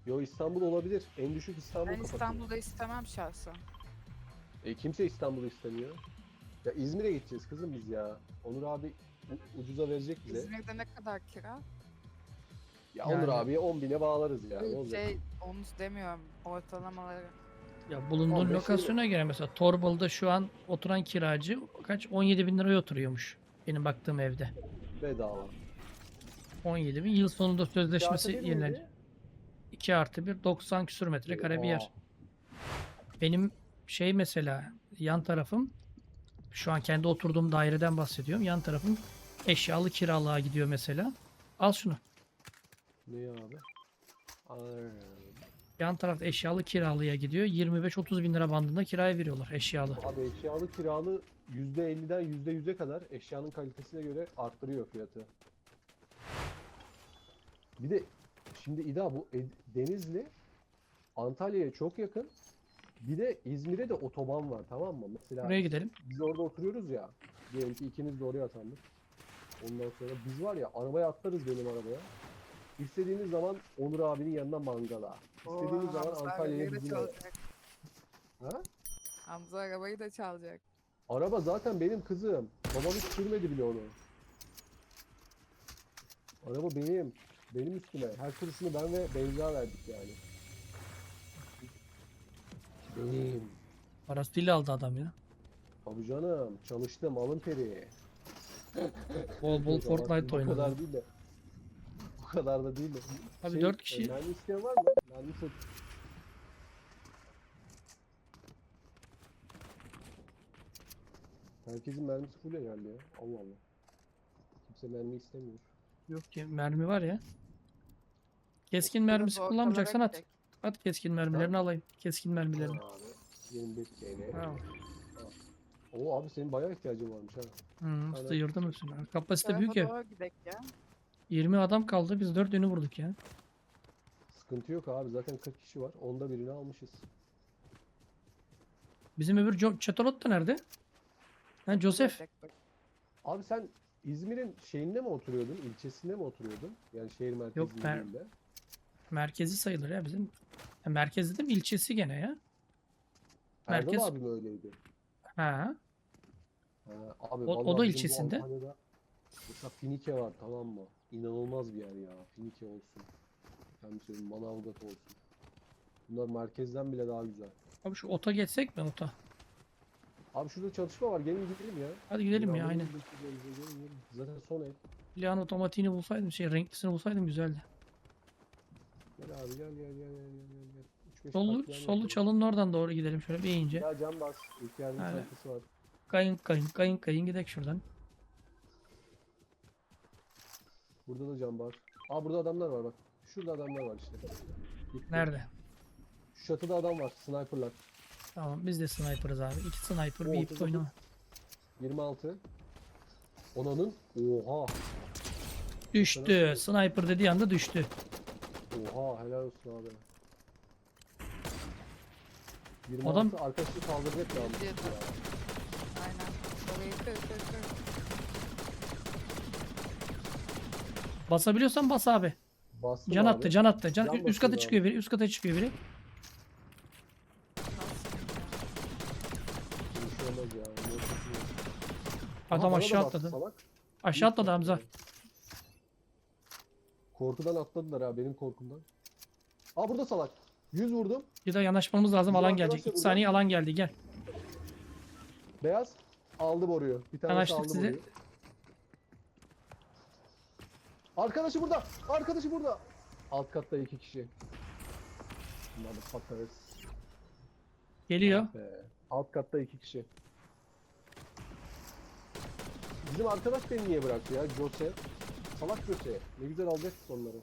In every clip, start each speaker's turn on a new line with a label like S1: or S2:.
S1: Yo, İstanbul olabilir. En düşük İstanbul
S2: Ben
S1: kapatıyor.
S2: İstanbul'da istemem şahsen.
S1: Kimse İstanbul'u istemiyor. Ya İzmir'e gideceğiz kızım biz ya. Onur abi ucuza verecek bize.
S2: İzmir'de ne kadar kira?
S1: Ya Onur
S3: Yani
S1: abiye 10.000'e bağlarız ya. Ne olacak?
S2: Onu demiyorum. Ortalamaları.
S3: ya bulunduğun
S1: 15
S3: lokasyona göre mesela Torbalı'da şu an oturan kiracı kaç 17 bin liraya oturuyormuş. Benim baktığım evde.
S1: Bedava.
S3: 17 bin. Yıl sonunda sözleşmesi
S1: Artı bir
S3: yenilenecek.
S1: miydi?
S3: 2 artı 1 90 küsür metrekare bir yer.
S1: Oha.
S3: Benim şey mesela yan tarafım şu an kendi oturduğum daireden bahsediyorum. Yan tarafım eşyalı kiralığa gidiyor mesela. Al şunu.
S1: Ne ya abi? Ay.
S3: Yan tarafta eşyalı kiralığa gidiyor. 25-30 bin lira bandında kiraya veriyorlar eşyalı.
S1: Abi eşyalı kiralı %50'den %100'e kadar eşyanın kalitesine göre arttırıyor fiyatı. Bir de şimdi İda bu Denizli Antalya'ya çok yakın. Bir de İzmir'e de otoban var, tamam mı? Mesela
S3: Buraya gidelim.
S1: biz orada oturuyoruz ya. Diyelim ki ikimiz de oraya atandık. Ondan sonra biz var ya arabaya atlarız benim arabaya. İstediğimiz zaman Onur abinin yanına mangala. İstediğimiz zaman
S2: Hamza
S1: Antalya'ya
S2: arabayı da
S1: bizimle.
S2: çalacak.
S1: Ha?
S2: Hamza arabayı da çalacak.
S1: Araba zaten benim kızım. Babam hiç sürmedi bile onu. Araba benim. Benim üstüme. Her kuruşunu ben ve Beyza verdik yani. Benim.
S3: Parasıyla aldı adam ya.
S1: Tabii canım. Çalıştım. Alın teri.
S3: Bol bol
S1: Yok,
S3: Fortnite
S1: bu
S3: oynadı.
S1: kadar değil de. Bu kadar da değil de.
S3: Abi 4 kişi.
S1: Mermi isteyen var mı? Mermi çok. Herkesin mermisi full herhalde ya. Allah Allah. Kimse mermi istemiyor.
S3: Yok ki mermi var ya. Keskin
S2: Biraz
S3: mermisi
S2: ortalara
S3: kullanmayacaksan at.
S2: gidecek.
S3: At keskin mermilerini alayım. Keskin mermilerini.
S1: Abi. 25 TL.
S3: Tamam.
S1: Oo abi senin bayağı ihtiyacın varmış ha. Aynen.
S3: Sıyırdım hepsini. Kapasite
S2: Tarafa
S3: büyük ev.
S2: doğru gidek ya.
S3: 20 adam kaldı. Biz 4 yönü vurduk ya.
S1: Sıkıntı yok abi. Zaten 40 kişi var. Onda birini almışız.
S3: Bizim öbür Çatalot da nerede? Ha Joseph.
S2: Gidecek bak.
S1: Abi sen İzmir'in şeyinde mi oturuyordun? İlçesinde mi oturuyordun? Yani şehir merkezi
S3: Yok, ben-
S1: değil de.
S3: Merkezi sayılır ya bizim. Ha, merkez dedim ilçesi gene ya.
S1: Erdal
S3: Merkez.
S1: abi mi öyleydi?
S3: Ha.
S1: Ha, abi
S3: O
S1: vallahi
S3: da
S1: bizim bu
S3: ilçesinde.
S1: Antalya'da mesela Finike var, tamam mı? İnanılmaz bir yer ya. Finike olsun. Efendim söyleyeyim, Manavgat olsun. Bunlar merkezden bile daha güzel.
S3: Abi şu ota geçsek mi ota?
S1: Abi şurada çalışma var. Gelin gidelim ya.
S3: Hadi gidelim ya
S1: Beraber
S3: aynen.
S1: gidelim. Zaten son ev.
S3: Silahın otomatiğini bulsaydım renklisini bulsaydım güzeldi.
S1: Gel abi gel. 3-5
S3: Solu,
S1: katliam
S3: solu
S1: yapalım.
S3: çalının oradan doğru gidelim şöyle bir ince.
S1: Ya cam bas. İlk yardım
S3: Aynen.
S1: çantası var.
S3: Kayın gidelim şuradan.
S1: Burada da cam var. Aa burada adamlar var bak. Şurada adamlar var işte. Gitti.
S3: Nerede?
S1: Şu çatıda adam var. Sniperlar.
S3: Tamam biz de sniper'ız abi. 2 sniper
S1: Oo,
S3: bir ip
S1: 39.
S3: oynama.
S1: 26. Onanın. Oha.
S3: Düştü. Sniper dediği anda düştü.
S1: Oha helal olsun abi. 26
S3: Adam-
S1: arkadaşı kaldıracak ya.
S2: Geliyordu. Aynen. Orayı kır.
S3: Basabiliyorsan bas abi.
S1: Bastım
S3: Can
S1: abi.
S3: attı, can attı.
S1: Can
S3: Üst
S1: basıyor
S3: kata
S1: abi.
S3: çıkıyor biri, üst kata çıkıyor biri.
S1: Bir şey olmaz ya.
S3: Adam
S1: Aha, bana da
S3: aşağı
S1: bastı
S3: atladı.
S1: salak.
S3: Aşağı atladı Hamza.
S1: Korkudan atladılar ha, benim korkumdan. Aa burada salak. 100 vurdum.
S3: Bir de yanaşmamız lazım.
S1: Bizim
S3: Alan
S1: arkadaş
S3: gelecek.
S1: da
S3: 2
S1: burada.
S3: saniye alan geldi. Gel.
S1: Beyaz. Aldı boruyu. Bir tanesi
S3: Yanaştık
S1: aldı
S3: size.
S1: boruyu. Arkadaşı burada. Arkadaşı burada. Alt katta 2 kişi. Motherfuckers.
S3: Geliyor.
S1: Alt katta 2 kişi. Bizim arkadaş beni niye bıraktı ya? Jose. Salak Jose. Ne güzel alacaksın onları.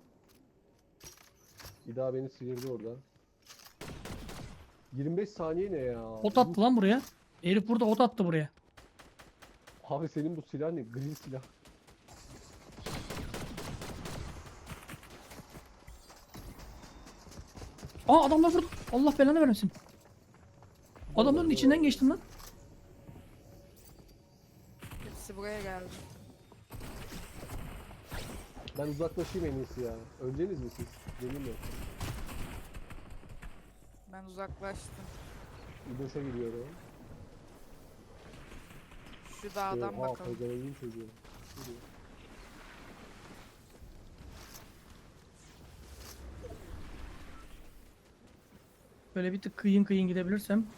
S1: Bir daha beni sıyırdı orada. 25 saniye ne ya?
S3: Ot attı lan buraya. Herif burada ot attı buraya.
S1: Abi senin bu silah ne? Green silah.
S3: Aa adamlar vurdu. Allah belanı vermesin. Adamların içinden geçtim lan.
S2: Hepsi buraya geldi.
S1: Ben uzaklaşayım en iyisi ya. Öleceğiniz mi siz? Yemin mi?
S2: Ben uzaklaştım.
S1: İdoş'a gidiyorum.
S2: Şu dağdan
S1: Oha,
S2: bakalım.
S1: pezevenkin çocuğu. Gidiyor.
S3: Böyle bir tık kıyın kıyın gidebilirsem.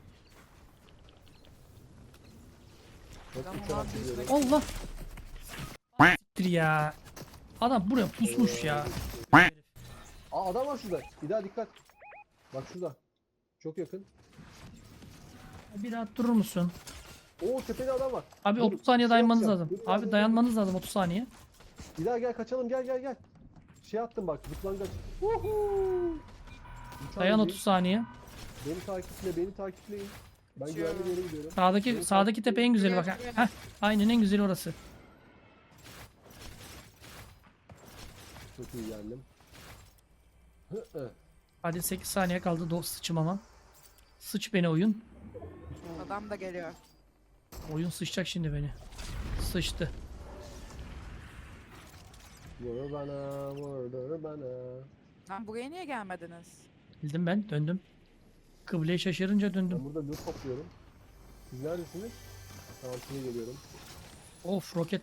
S1: Bak,
S2: Tamam
S1: uçarak
S2: abi,
S1: gidiyorum.
S3: Allah. Siktir ya. Adam buraya pusmuş ya.
S1: Aa, adam var şurada. Bir daha dikkat. Bak şurada. Çok yakın.
S3: Bir rahat durur musun?
S1: Oo, tepede adam var.
S3: Abi
S1: Dur,
S3: 30 saniye
S1: şey
S3: dayanmanız
S1: yapacağım.
S3: lazım.
S1: Dur,
S3: Abi dayanmanız lazım 30 saniye.
S1: Bir daha gel, kaçalım, gel gel gel. Şey attım bak, zıplangaç. Uhu.
S3: Dayan 30 saniye.
S1: Beni takiple, beni takipleyin. Ben
S2: Kaçıyorum.
S1: güvenli bir yere gidiyorum.
S3: Sağdaki tepe en güzeli bak. Heh, aynen en güzeli orası.
S1: Çok iyi geldim. Hı hı.
S3: Hadi 8 saniye kaldı sıçmama. Sıç beni oyun.
S2: Adam da geliyor.
S3: Oyun sıçacak şimdi beni. Sıçtı.
S1: Vur bana, vur bana.
S2: Lan buraya niye gelmediniz?
S3: Bildim ben döndüm. Kıbleye şaşırınca döndüm.
S1: Ben burada loot topluyorum. Siz neredesiniz? Tamam, size geliyorum.
S3: Of roket.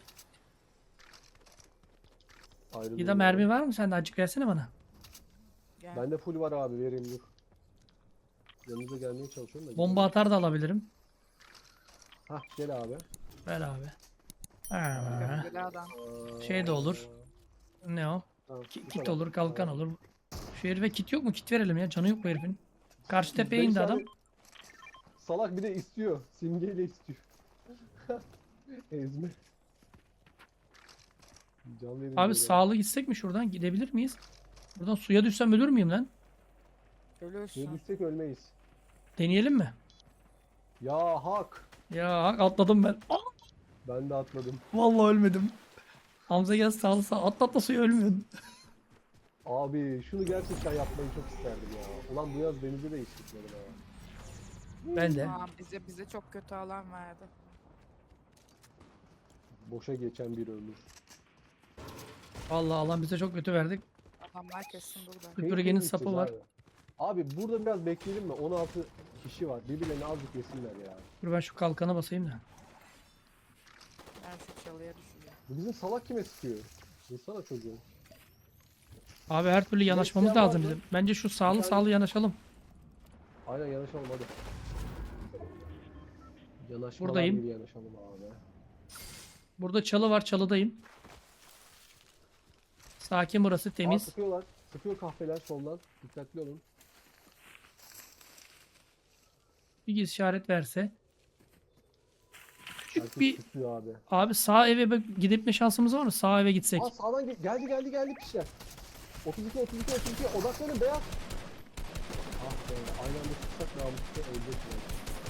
S1: Ayrılıyorum.
S3: Bir de mermi var mı sende? Azıcık versene bana.
S2: Gel.
S1: Bende full var abi, vereyim dur. Yanınıza gelmeye çalışıyorum da.
S3: Bomba atar da alabilirim.
S1: Hah, gel abi.
S3: Ver abi. Ha,
S2: Böyle adam.
S3: Şey de olur. ne o?
S1: Tamam, bu
S3: Kit
S1: kadar.
S3: olur, kalkan
S1: Tamam.
S3: olur. Şu herife kit yok mu? Kit verelim ya. Canı yok bu herifin. Karşı tepeye
S1: Beş
S3: indi
S1: tane
S3: adam.
S1: Salak bir de istiyor. Simgeyle istiyor. Ezme. Can verin
S3: Abi
S1: diyor
S3: sağlı gitsek mi şuradan? Gidebilir miyiz? Buradan suya düşsem ölür müyüm lan?
S1: ya.
S2: Ölürsün.
S1: Ne düşsek ölmeyiz.
S3: Deneyelim mi?
S1: Ya hak.
S3: Ya atladım ben. Aa,
S1: Ben de atladım.
S3: vallahi ölmedim. Hamza gel sağlı sağ. Atla suya ölmüyorsun.
S1: Abi şunu gerçekten yapmayı çok isterdim ya. Ulan bu yaz denize de hiç gitmedim ha.
S3: Ben de.
S2: Aa, bize çok kötü alan verdi.
S1: Boşa geçen bir ömür.
S3: Vallahi Allah bize çok kötü verdik.
S2: Adamlar kesin burada.
S3: Süpürgenin
S1: Tehlikeli
S3: sapı
S1: gideceğiz
S3: var.
S1: Abi. Abi burada biraz bekleyelim mi? 16 kişi var. Birbirlerini azıcık yesinler ya.
S3: Dur ben şu kalkana basayım da.
S2: Ben şu çalıya düşeceğim.
S1: Bu bizim salak kime sıkıyor? Vursana çocuğu.
S3: Abi her türlü yanaşmamız
S1: isteyen var
S3: lazım
S1: mı?
S3: bizim. Bence şu sağlı
S1: Bir tane-
S3: sağlı yanaşalım.
S1: Aynen, yanaşalım hadi. Yanaşmalar
S3: Buradayım.
S1: gibi yanaşalım abi.
S3: Burada çalı var, çalıdayım. Sakin burası
S1: Aa,
S3: temiz.
S1: sıkıyorlar. Sıkıyor kahveler soldan. Dikkatli olun.
S3: Bir işaret verse. Küçük
S1: Herkes
S3: bir
S1: sıkıyor abi.
S3: abi sağ eve gidip şansımız var mı? Sağ eve gitsek.
S1: Aa, sağdan geldi kişiler. 32 odaklanın beyaz. Ah be, aynı anda tutsak namuslu ölecekler.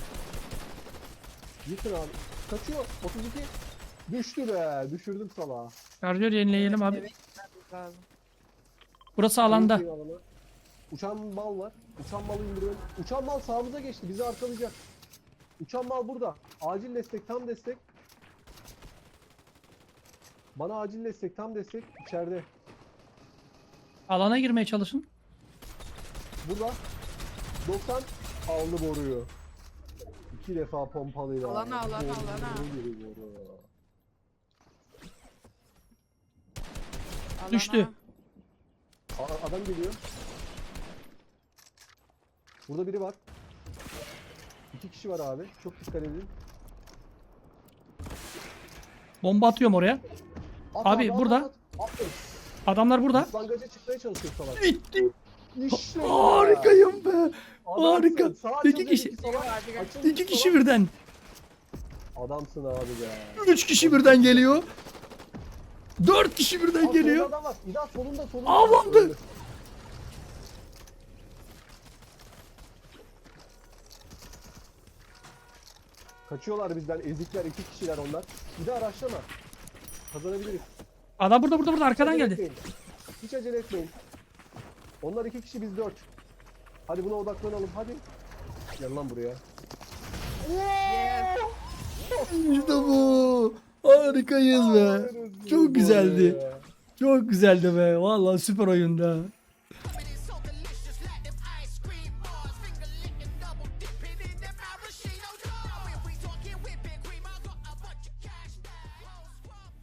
S1: Yıkın abi. Kaçıyor. 32. Düştü be. Düşürdüm salağı.
S3: Şarjör yenileyelim abi.
S2: Evet, gitmemiz lazım.
S3: Burası alanda.
S1: Şey alana. Uçan mal var. Uçan malı indiriyorum. Uçan mal sağımıza geçti. Bizi arkalayacak. Uçan mal burada. Acil destek, tam destek. Bana acil destek, tam destek. İçeride.
S3: Alana girmeye çalışın.
S1: Burada. 90 aldı boruyu. 2 defa pompalıyla.
S2: Alana.
S1: Boru giriyor boru.
S2: Alana.
S3: Düştü.
S1: Adam geliyor. Burada biri var. 2 kişi var abi. Çok dikkat edin.
S3: Bomba atıyorum oraya.
S1: At
S3: Abi, burada.
S1: Aferin.
S3: Adamlar burada.
S1: Islangaca çıkmaya çalışıyor salak.
S3: Bitti.
S1: İşte
S3: Harikayım be.
S1: Adamsın.
S3: Harika.
S1: Sağa
S3: İki
S1: açıldı,
S3: kişi.
S1: salak.
S2: Hadi gel.
S1: Açıldı,
S3: İki kişi
S1: salak.
S3: birden.
S1: Adamsın abi be.
S3: 3 kişi birden geliyor. 4 kişi birden
S1: Aa,
S3: geliyor.
S1: solunda adam var. İda solunda.
S3: Avlandı.
S1: Öldü. Kaçıyorlar bizden. Ezikler. 2 kişiler onlar. Bir de araçlama. Kazanabiliriz.
S3: Adam burada arkadan
S1: Acele
S3: geldi.
S1: etmeyin. Hiç acele etmeyin. Onlar 2 kişi, biz 4. Hadi buna odaklanalım. Hadi. Gel lan buraya.
S2: Yes.
S3: İşte bu. Harikayız be.
S1: Aferin
S3: Çok
S1: size
S3: güzeldi.
S1: be.
S3: Çok güzeldi be. Vallahi süper oyunda.